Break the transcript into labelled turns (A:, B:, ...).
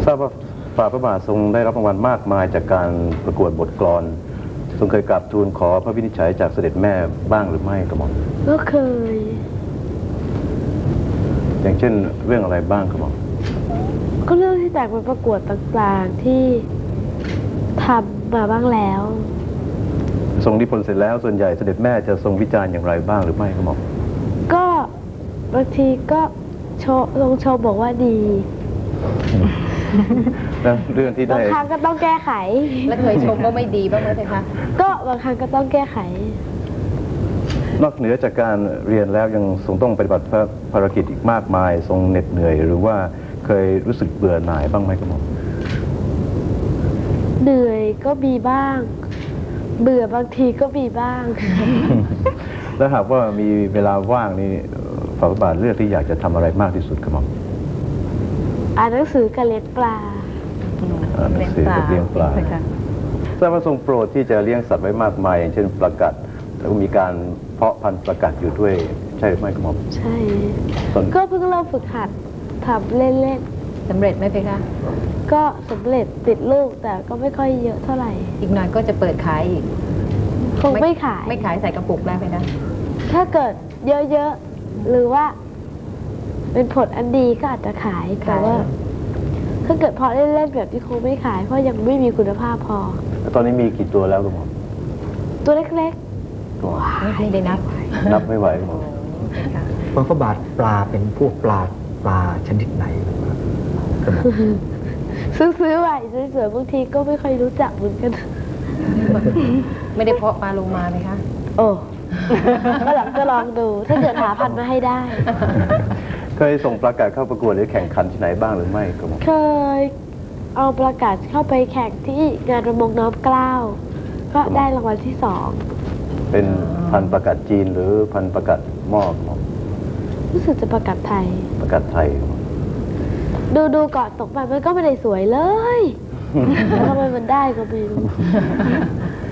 A: ทราบว่าฝ่าพระบาททรงได้รับรางวัลมากมายจากการประกวดบทกลอนทรงเคยกราบทูลขอพระวินิจฉัยจากเสด็จแม่บ้างหรือไม่กระหม่อม
B: ก็เคย
A: อย่างเช่นเรื่องอะไรบ้างกระหม่อม
B: ก็เรื่องที่แต่งมาประกวดต่างๆที่ทำมาบ้างแล้ว
A: ทรงนิพนธ์เสร็จแล้วส่วนใหญ่เสด็จแม่จะทรงวิจารณ์อย่างไรบ้างหรือไม่กระหม่อม
B: ก็บางทีก็ทรงชมบอกว่าดี
A: แล้วเรื่องที่ได้
B: บางครั้งก็ต้องแก้ไข
C: แล้วเคยชมว่าไม่ดีบ้างไหมคะ
B: ก็บางครั้งก็ต้องแก้ไข
A: นอกเหนือจากการเรียนแล้วยังทรงต้องปฏิบัติภารกิจอีกมากมายทรงเหน็ดเหนื่อยหรือว่าเคยรู้สึกเบื่อหน่ายบ้างไหมกระหม่อม
B: เหนื่อยก็มีบ้างเบื่อบางทีก็มีบ้าง
A: แล้วหากว่ามีเวลาว่างนี่ฝ่าพระบาทเลือกที่อยากจะทำอะไรมากที่สุดกระหม่อม
B: อ่านหนังสือกับเลี้ยงปลา
A: อ่านหนังสือกับเลี้ยงปลาทราบว่าทรงโปรดที่จะเลี้ยงสัตว์ไว้มากมายอย่างเช่นปลากัดแล้วก็มีการเพาะพันธุ์ปลากัดอยู่ด้วยใช่หรือไม่กระหม่อม
B: ใช่ก็เพิ่งเริ่มฝึกหัดทำเล่น
C: ๆสำเร็จไหมเพคะ
B: ก็สำเร็จติดลูกแต่ก็ไม่ค่อยเยอะเท่าไหร่
C: อีกหน่อยก็จะเปิดขายอีก
B: คงไม่ขาย
C: ใส่กระปุกแล้วเพคะ
B: ถ้าเกิดเยอะๆหรือว่าเป็นผลอันดีก็อาจจะขายแต่ว่าถ้าเกิดพอเล่นๆแบบที่คงไม่ขายเพราะยังไม่มีคุณภาพพอ
A: ตอนนี้มีกี่ตัวแล้วกระหม่อม
B: ตัวเล็ก
C: ๆไม่ได้
A: นับไม่ไหวกระหม่อม
D: พระบาทปลาเป็นพวกปลาชนิดไหน
B: ซื้อไว้สวยๆบางทีก็ไม่ค่อยรู้จักเหมือนกัน
C: ไม่ได้เพาะปลาโลมาไหมคะ
B: โอ้ก็หลังจะลองดูถ้าเกิดหาพันธุ์มาให้ได้
A: เคยส่งปลากัดเข้าประกวดหรือแข่งขันที่ไหนบ้างหรือไม่กระหม่อม
B: เคยเอาปลากัดเข้าไปแข่งที่งานประมงน้อมเกล้าก็ได้รางวัลที่2
A: เป็นพันธุ์ปลากัดจีนหรือพันธุ์ปลากัดหม้อกระหม่อม
B: รู้สึกจะปลากัดไทย
A: ปลากัดไทย
B: ดูเกาะตกไปมันก็ไม่ได้สวยเลยแล้วทำไมมันได้ก็ไม่รู้